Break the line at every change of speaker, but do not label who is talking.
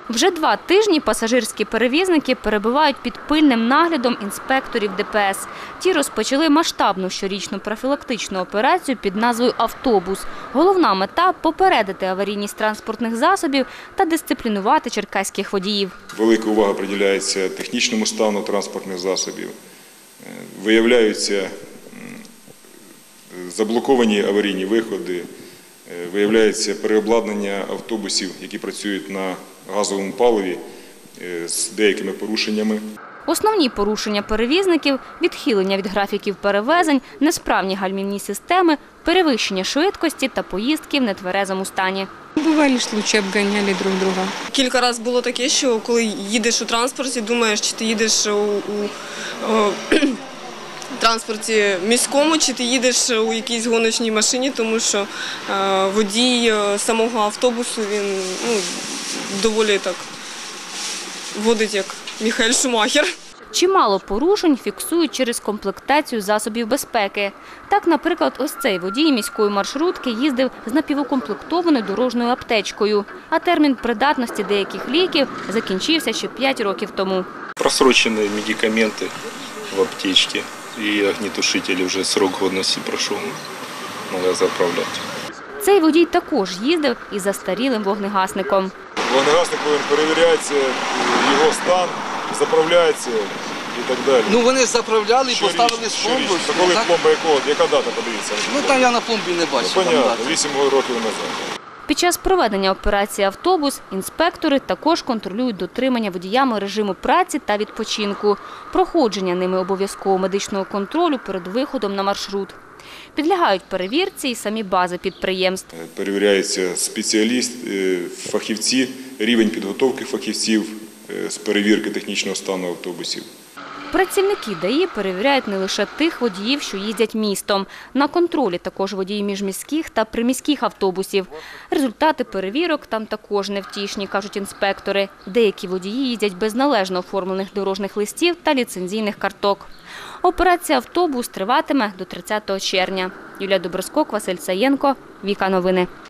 Вже 2 тижні пасажирські перевізники перебувають під пильним наглядом інспекторів ДПС. Ті розпочали масштабну щорічну профілактичну операцію під назвою «Автобус». Головна мета – попередити аварійність транспортних засобів та дисциплінувати черкаських водіїв.
Велика увага приділяється технічному стану транспортних засобів. Виявляються заблоковані аварійні виходи, виявляється переобладнання автобусів, які працюють на газовому паливі з деякими порушеннями.
Основні порушення перевізників – відхилення від графіків перевезень, несправні гальмівні системи, перевищення швидкості та поїздки в нетверезому стані.
Бували случаї, обганяли друг друга.
Кілька разів було таке, що коли їдеш у транспорті, думаєш, чи ти їдеш у транспорті міському, чи ти їдеш у якійсь гоночній машині, тому що водій самого автобусу, він доволі так водить як Міхаель Шумахер.
Чимало порушень фіксують через комплектацію засобів безпеки. Так, наприклад, ось цей водій міської маршрутки їздив з напівукомплектованою дорожньою аптечкою, а термін придатності деяких ліків закінчився ще 5 років тому.
Просрочені медикаменти в аптечці і огнетушителі, вже срок годності пройшов, треба заправляти.
Цей водій також їздив із застарілим вогнегасником.
Вогнегасник повинен перевіряється, його стан, заправляється і так далі.
Ну вони заправляли і поставили з пломбою.
Коли пломба якого? Яка дата, подивіться?
Ну там я на пломбі не бачив.
Понятно, 8 років назад.
Під час проведення операції «Автобус» інспектори також контролюють дотримання водіями режиму праці та відпочинку, проходження ними обов'язкового медичного контролю перед виходом на маршрут. Підлягають перевірці і самі бази підприємств.
Перевіряється спеціаліст, фахівці, рівень підготовки фахівців з перевірки технічного стану автобусів.
Працівники ДАІ перевіряють не лише тих водіїв, що їздять містом. На контролі також водії міжміських та приміських автобусів. Результати перевірок там також невтішні, кажуть інспектори. Деякі водії їздять без належно оформлених дорожніх листів та ліцензійних карток. Операція «Автобус» триватиме до 30 червня. Юлія Доброскок, Василь Саєнко, Віка Новини.